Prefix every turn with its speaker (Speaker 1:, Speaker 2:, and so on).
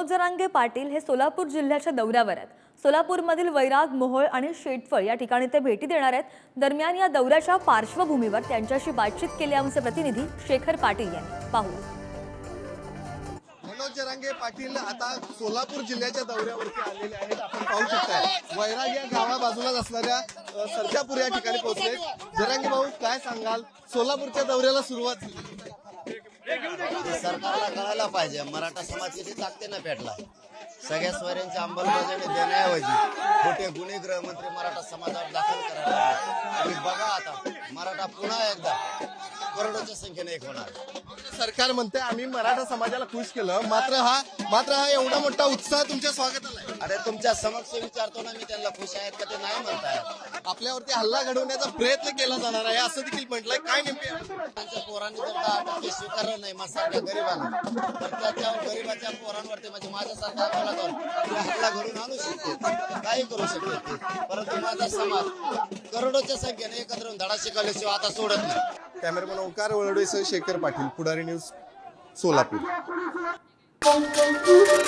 Speaker 1: मनोज जरांगे पाटील हे सोलापूर जिल्ह्याच्या दौऱ्यावर आहेत। सोलापूरमधील वैराग, मोहोळ आणि शेटफळ या ठिकाणी ते भेटी देणार आहेत। दरम्यान या दौऱ्याच्या पार्श्वभूमीवर त्यांच्याशी बातचीत केली आमचे प्रतिनिधी शेखर पाटील यांनी। पाहूया।
Speaker 2: मनोज जरांगे पाटील आता सोलापूर जिल्ह्याच्या दौऱ्यावरती आलेले आहेत। आपण पाहू शकताय वैराग या गावा बाजूलाच असणाऱ्या सरजापूर या ठिकाणी पोहोचले। जरांगे भाऊ, काय सांगाल? सोलापूरच्या दौऱ्याला सुरुवात झाली।
Speaker 3: सरकारला कळायला पाहिजे मराठा समाज किती ताकदीने पेटला। सगळ्या स्वरांची अंमलबजावणी देण्याऐवजी खोटे गुन्हे गृहमंत्री मराठा समाजावर दाखल करायला आणि बघा आता मराठा पुन्हा एकदा करोडोच्या संख्येने एक होणार।
Speaker 2: सरकार म्हणते आम्ही मराठा समाजाला खुश केलं, मात्र हा एवढा मोठा उत्साह तुमच्या स्वागताला आहे।
Speaker 3: अरे तुमच्या समक्ष विचारतो ना मी, त्यांना खुश आहेत का ते नाही म्हणतायत।
Speaker 2: आपल्यावरती हल्ला घडवण्याचा प्रयत्न केला जाणार आहे असं देखील म्हटलंय। काय नेमके
Speaker 3: त्यांच्या पोरांनी जर 10% स्वीकारलं नाही माझ्यासारख्या गरिबांना, तर त्याच्यावर गरिबाच्या पोरांवरती म्हणजे माझ्यासारख्या अकोलावर हल्ला घडून आणू शकते, काही करू शकते ते। परंतु माझा समाज करोडोच्या संख्येने एकत्र येऊन धडा शिकवल्याशिवाय आता सोडत नाही।
Speaker 2: कॅमेरामन ओंकार वळवडेसह शेखर पाटील, पुढारी न्यूज, सोलापूर।